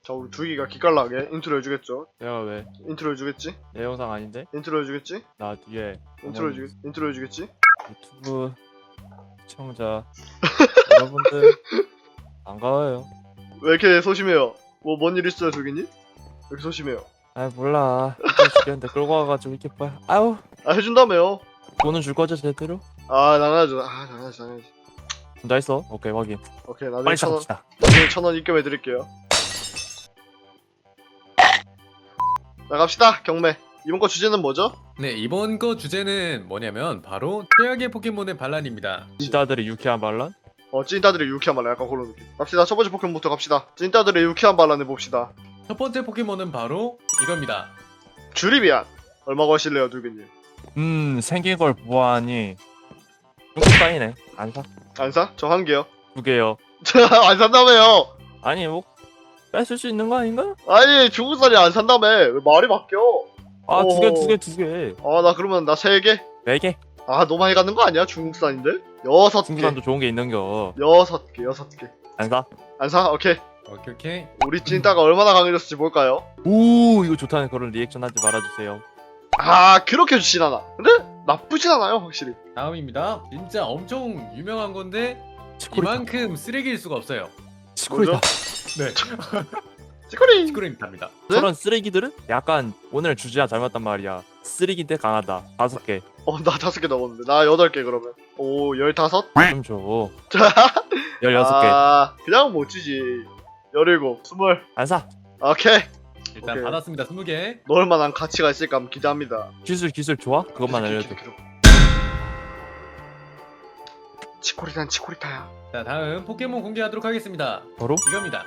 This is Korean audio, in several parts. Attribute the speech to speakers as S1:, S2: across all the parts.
S1: 자, 우리 두기가 기깔나게 인트로 해주겠죠?
S2: 내가 왜?
S1: 인트로 해주겠지?
S2: 내 영상 아닌데?
S1: 인트로 해주겠지?
S2: 나 뒤에
S1: 인트로 해주겠지?
S2: 유튜브 시청자 여러분들 반가워요.
S1: 왜 이렇게 소심해요? 뭐 뭔 일 있어요, 두기님? 왜 이렇게 소심해요?
S2: 아 몰라. 힘들어 죽겠는데 끌고 와가지고 이렇게 뭐야. 아우
S1: 아, 해준다며요?
S2: 돈은 줄 거죠 제대로?
S1: 아, 당연하죠. 아, 당연하지.
S2: 혼자 있어? 오케이 확인.
S1: 오케이, 나중에
S2: 빨리
S1: 1,000원,
S2: 시작합시다.
S1: 나중에 1,000원 입금해드릴게요. 나갑시다, 경매. 이번 거 주제는 뭐죠?
S3: 네, 이번 거 주제는 뭐냐면 바로 최악의 포켓몬의 반란입니다.
S2: 진짜들의 유쾌한 반란?
S1: 찐따들의 유쾌한 반란, 약간 그런 느낌. 갑시다, 첫 번째 포켓몬부터 갑시다. 찐따들의 유쾌한 반란 해봅시다.
S3: 첫 번째 포켓몬은 바로 이겁니다.
S1: 주리비안. 얼마 거실래요, 두기님?
S2: 생긴 걸 보아하니 중국 땅이네. 안 사?
S1: 안 사? 저 한 개요.
S2: 2개요.
S1: 안 산다며요.
S2: 아니 뭐 뺏을 수 있는 거 아닌가?
S1: 아니, 중국산이 안 산다며. 왜 말이 바뀌어?
S2: 아 두
S1: 어.
S2: 개.
S1: 아, 나 그러면 나 3개?
S2: 4개.
S1: 아, 너무 많이 가는 거 아니야? 중국산인데? 6개.
S2: 중국산도 좋은 게 있는겨.
S1: 6개.
S2: 안 사?
S1: 안 사? 오케이.
S3: 오케이.
S1: 우리 찐따가 얼마나 강해졌을지 볼까요?
S2: 오 이거 좋다는 그런 리액션 하지 말아주세요.
S1: 아, 그렇게 좋진 않아. 근데 나쁘진 않아요, 확실히.
S3: 다음입니다. 진짜 엄청 유명한 건데
S2: 치코리타.
S3: 이만큼 쓰레기일 수가 없어요.
S2: 치코리타.
S3: 네,
S1: 치코리.
S3: 치쿠린입니다.
S1: 네?
S2: 저런 쓰레기들은 약간 오늘 주제가 잘못단 말이야. 쓰레기인데 강하다. 5개.
S1: 나 5개 넣었는데. 나 8개 그러면. 오, 15?
S2: 좀 줘. 16개.
S1: 아, 그냥 못 주지. 17, 20.
S2: 안 사.
S1: 오케이.
S3: 일단
S1: 오케이.
S3: 받았습니다. 20개.
S1: 넣을 만한 가치가 있을까 한번 기대합니다.
S2: 기술 좋아? 그것만 알려줘.
S1: 치코리타는 치코리타야.
S3: 자, 다음 포켓몬 공개하도록 하겠습니다.
S2: 바로?
S3: 이겁니다.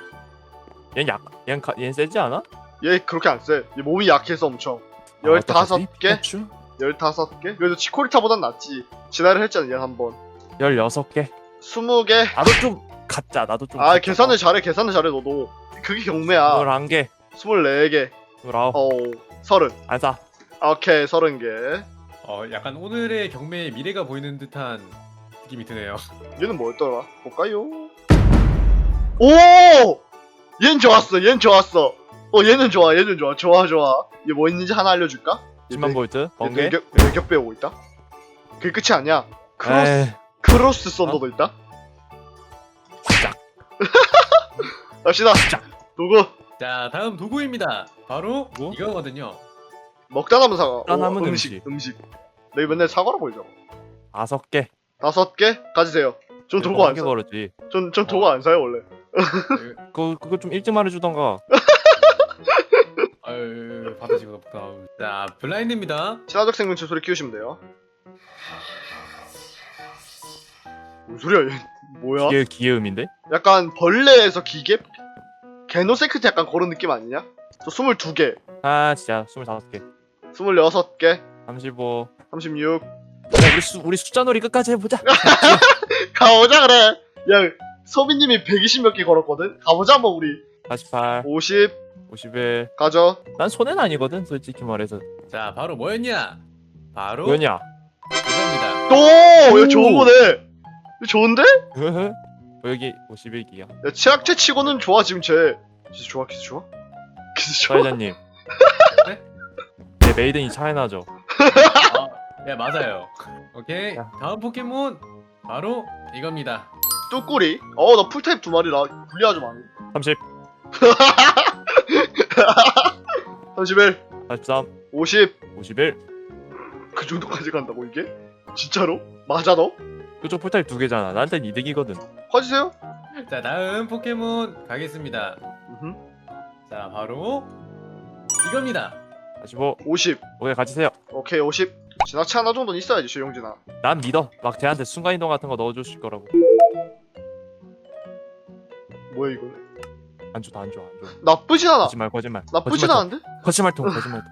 S2: 얘는 세지 않아?
S1: 얘 그렇게 안 세. 얘 몸이 약해서 엄청. 15개? 15개? 그래도 치코리타보단 낫지. 진화를 했잖아, 얘 한 번.
S2: 16개.
S1: 20개?
S2: 나도 좀 가짜. 나도 좀.
S1: 아,
S2: 가짜.
S1: 계산을 잘해, 너도. 그게 경매야.
S2: 21개.
S1: 24개.
S2: 29.
S1: 30.
S2: 안 사.
S1: 오케이, 30개.
S3: 약간 오늘의 경매의 미래가 보이는 듯한 느낌이 드네요.
S1: 얘는 뭐였더라? 볼까요? 오! 얜 좋았어. 얘는 좋아. 좋아. 얘 뭐 있는지 하나 알려줄까?
S2: 10만 볼트. 번개.
S1: 외격 배우고 있다. 그게 끝이 아니야. 크로스 썬더도 있다.
S2: 시작.
S1: 갑시다. 누구?
S3: 자, 다음 도구입니다. 바로
S2: 뭐?
S3: 이거거든요.
S1: 먹다 남은 사과.
S2: 먹다 남은
S1: 음식. 내가 맨날 사과라고 그러잖아.
S2: 5개.
S1: 5개? 가지세요. 전 도구 안
S2: 개
S1: 사.
S2: 걸었지.
S1: 전 도구 안 사요, 원래.
S2: 그거 좀 일찍 말해주던가.
S3: 아유, 받으시고 다음. 자, 블라인드입니다.
S1: 친화적 생명체 소리 키우시면 돼요. 뭔 소리야, 얘. 뭐야?
S2: 기계음인데?
S1: 약간 벌레에서 기계? 게노세크트 약간 그런 느낌 아니냐? 저 22개,
S2: 아 진짜 25개.
S1: 26개,
S2: 35.
S1: 36.
S2: 그래 우리 숫자 놀이 끝까지 해보자.
S1: 가보자, 그래. 야, 소비님이 120몇 개 걸었거든? 가보자, 뭐, 우리.
S2: 48.
S1: 50,
S2: 51.
S1: 가져.
S2: 난 손해는 아니거든 솔직히 말해서.
S3: 자, 바로 뭐였냐? 바로
S2: 뭐냐?
S3: 이겁니다.
S1: 오! 이거
S2: 오!
S1: 좋은 거네. 이거 좋은데?
S2: 여기 51기야.
S1: 야, 치약체 치고는 좋아, 지금 쟤. 기스 좋아, 기스 좋아? 기스 좋아?
S2: 사회자님.
S3: 네?
S2: 내 메이든이 차이나죠.
S3: 네, 맞아요. 오케이.
S2: 야.
S3: 다음 포켓몬 바로 이겁니다.
S1: 뚜꾸리. 나 풀타입 2마리라. 분리하지 마.
S2: 30.
S1: 31,
S2: 43.
S1: 50.
S2: 51.
S1: 그 정도까지 간다고, 이게? 진짜로? 맞아, 너?
S2: 그쪽 풀타입 2개잖아. 나한텐 이득이거든.
S1: 커지세요?
S3: 자, 다음 포켓몬 가겠습니다.
S1: 음흠.
S3: 자, 바로 이겁니다.
S2: 45.
S1: 50.
S2: 오케이 가지세요.
S1: 오케이, 50. 지나치 하나 정도는 있어야지, 조용진아.
S2: 난 믿어. 막 쟤한테 순간이동 같은 거 넣어주실 거라고.
S1: 뭐야, 이거는?
S2: 안 줘.
S1: 나쁘진 않아.
S2: 거짓말.
S1: 나쁘진 않은데?
S2: 거짓말통.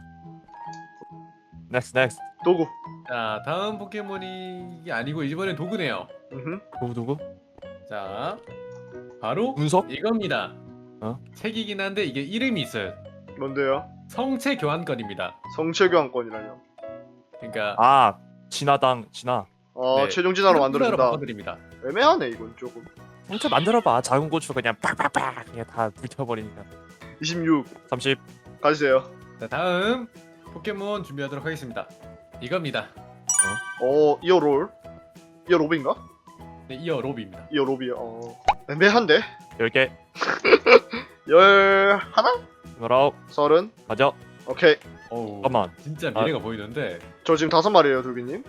S2: 넥스트.
S1: 도구.
S3: 자, 다음 포켓몬이 아니고 이번엔 도구네요.
S2: 누구?
S3: 자, 바로
S2: 운석?
S3: 이겁니다.
S2: 어?
S3: 책이긴 한데 이게 이름이 있어요.
S1: 뭔데요?
S3: 성체 교환권입니다.
S1: 성체 교환권이라뇨.
S3: 그러니까
S2: 아 진화.
S3: 네,
S1: 최종 진화로 만들어준다.
S3: 바꿔드립니다.
S1: 애매하네, 이건 조금.
S2: 혼자 만들어봐. 작은 고추 그냥 빡빡빡 그냥 다 불태워버리니까.
S1: 26
S2: 30.
S1: 가주세요.
S3: 자, 다음 포켓몬 준비하도록 하겠습니다. 이겁니다.
S1: 이어 롤. 이어 로비인가?
S3: 네, 이어 로비입니다.
S1: 이어 로비야. 애매한데?
S2: 10개.
S1: 11?
S2: 19.
S1: 30?
S2: 가져.
S1: 오케이.
S3: 어우,
S2: 잠깐만.
S3: 진짜 미래가 보이는데.
S1: 저 지금 5마리에요, 두기님.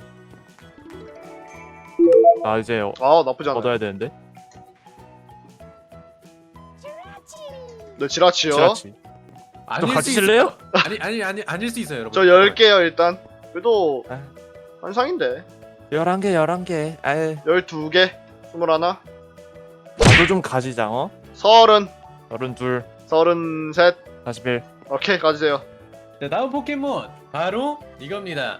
S2: 나 이제
S1: 나쁘지 않아.
S2: 얻어야 되는데.
S1: 네, 지라치요.
S2: 지라치.
S3: 아닐
S2: 같이
S3: 수
S2: 칠래요?
S3: 있어요. 아니 아닐 수 있어요, 여러분.
S1: 저 10개요, 일단. 그래도
S2: 아.
S1: 한상인데.
S2: 11개. 아유.
S1: 12개. 21.
S2: 나도 좀 가지자.
S1: 30.
S2: 32.
S1: 33.
S2: 41.
S1: 오케이, 가주세요.
S3: 자, 다음 포켓몬 바로 이겁니다.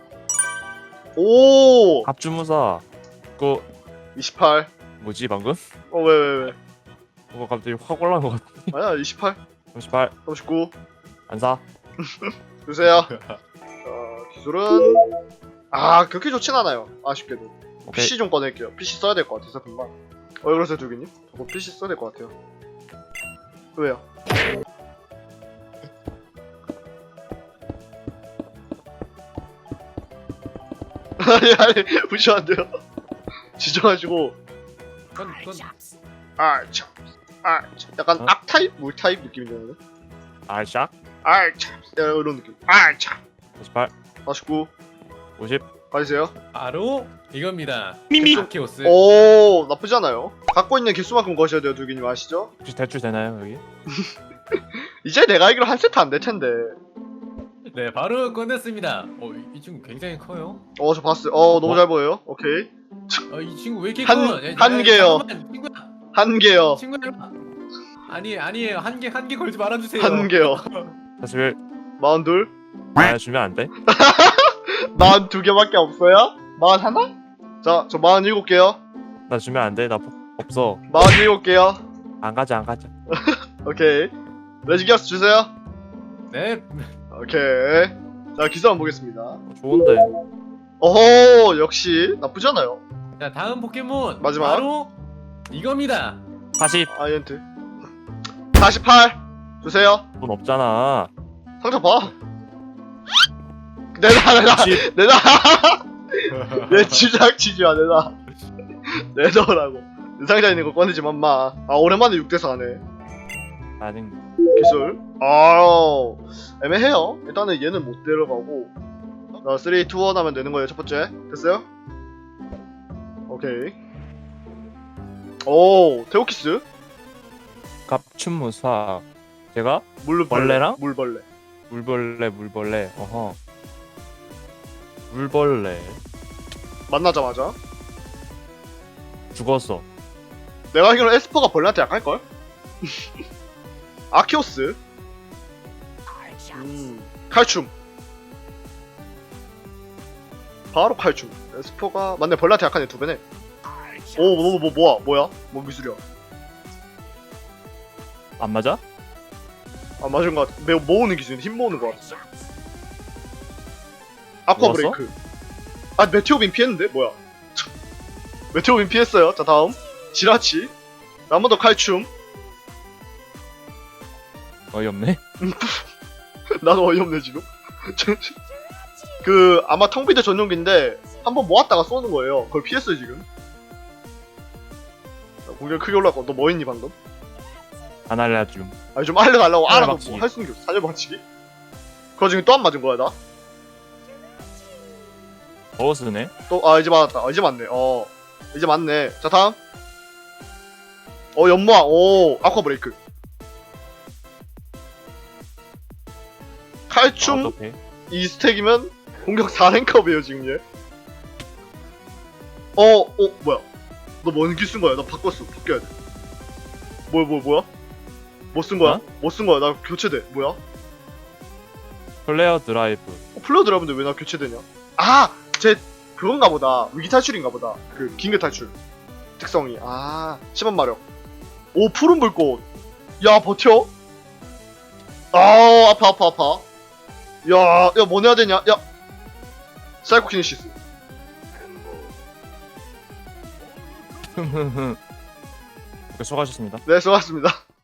S1: 오!
S2: 갑주무사. 그
S1: 28.
S2: 뭐지 방금?
S1: 왜?
S2: 뭐가 갑자기 확 올라온 것 같아.
S1: 아니야, 28.
S2: 38.
S1: 39.
S2: 안 사.
S1: 주세요. 기술은 그렇게 좋진 않아요. 아쉽게도.
S2: 오케이.
S1: PC 좀 꺼낼게요. PC 써야 될 것 같아서 금방. 왜 그러세요, 두기님? 저거 PC 써야 될 것 같아요. 왜요? 아니 무시면 안 돼요. 지져가지고
S3: 그건
S1: 참. 약간
S2: 어?
S1: 악타입? 물타입 느낌이 드는데?
S2: 알샥.
S1: 참. 이런 느낌. 참.
S2: 48.
S1: 49.
S2: 50.
S1: 가주세요.
S3: 바로 이겁니다.
S2: 미미.
S3: 아키오스.
S1: 오, 나쁘지 않아요. 갖고 있는 개수만큼 거셔야 돼요, 두기님 아시죠?
S2: 혹시 대출 되나요 여기?
S1: 이제 내가 알기로 한 세트 안 될 텐데.
S3: 네, 바로 꺼냈습니다. 이 친구 굉장히 커요.
S1: 저 봤어요. 너무 잘 보여요. 오케이.
S3: 이 친구 왜 이렇게
S1: 한-
S3: 커?
S1: 한 개요.
S3: 잠깐만, 친구야.
S1: 한 개요.
S3: 친구야. 아니에요. 한 개 걸지 말아주세요.
S1: 한 개요.
S2: 41.
S1: 42.
S2: 아 주면 안 돼?
S1: 42개밖에 없어요? 41? 자, 저 47개요.
S2: 나 주면 안 돼? 나 없어.
S1: 47개요.
S2: 안 가자.
S1: 오케이. 레지기어스 주세요.
S3: 네.
S1: 오케이. 자, 기사 한번 보겠습니다.
S2: 좋은데.
S1: 어허, 역시 나쁘지 않아요.
S3: 자, 다음 포켓몬
S1: 마지막.
S3: 바로 이겁니다.
S2: 40.
S1: 아이언트. 48. 주세요.
S2: 돈 없잖아.
S1: 상자 봐. 내놔.
S2: 60.
S1: 내놔. 내 주작치지 마, 내놔. 내놔라고. 내 상자에 있는 거 꺼내지 맘마. 오랜만에 6대4 하네.
S2: 나는
S1: 기술. 애매해요. 일단은 얘는 못 데려가고. 3, 2, 1 하면 되는 거예요, 첫 번째. 됐어요? 오케이. 오, 테오키스.
S2: 갑춘무사. 제가
S1: 물벌레.
S2: 벌레랑?
S1: 물벌레.
S2: 물벌레. 어허. 물벌레.
S1: 만나자마자.
S2: 죽었어.
S1: 내가 알기로는 에스퍼가 벌레한테 약할걸? 아키오스. 칼춤. 바로 칼춤. 에스퍼가 맞네, 벌레한테 약하네. 2배네. 뭐야? 뭔 기술이야?
S2: 안 맞아?
S1: 맞은 것 같아. 매우 모으는 기술, 힘 모으는 것 같아. 아쿠아
S2: 모았어?
S1: 브레이크. 메테오빔 피했는데? 뭐야? 메테오빔 피했어요. 자, 다음. 지라치. 한 번 더 칼춤.
S2: 어이없네.
S1: 나도 어이없네, 지금. 아마 텅비드 전용기인데, 한번 모았다가 쏘는 거예요. 그걸 피했어요, 지금. 공격 크게 올라갔고, 너 뭐 했니, 방금?
S2: 안 알려줌.
S1: 좀 알려달라고 알아도
S2: 사절박치기.
S1: 뭐 할 수 있는 게 없어. 사절박치기? 그거 지금 또 안 맞은 거야, 나?
S2: 버스네.
S1: 이제 맞았다. 이제 맞네. 이제 맞네. 자, 다음. 연모아. 아쿠아 브레이크. 칼춤
S2: 어떡해.
S1: 2스택이면 공격 4랭크업이에요, 지금 얘. 뭐야. 너 뭔 기술 거야? 나 바꿨어. 바뀌어야 돼. 뭐야? 뭐 쓴 거야?
S2: 어?
S1: 뭐 쓴 거야? 나 교체돼. 뭐야?
S2: 플레어 드라이브.
S1: 플레어 드라이브인데 왜 나 교체되냐? 제 그건가 보다. 위기 탈출인가 보다. 긴급 탈출 특성이. 10원 마력. 푸른 불꽃. 야, 버텨. 아파. 야, 뭐 내야 되냐? 야, 사이코키네시스.
S2: 수고하셨습니다.
S1: 네, 수고하셨습니다.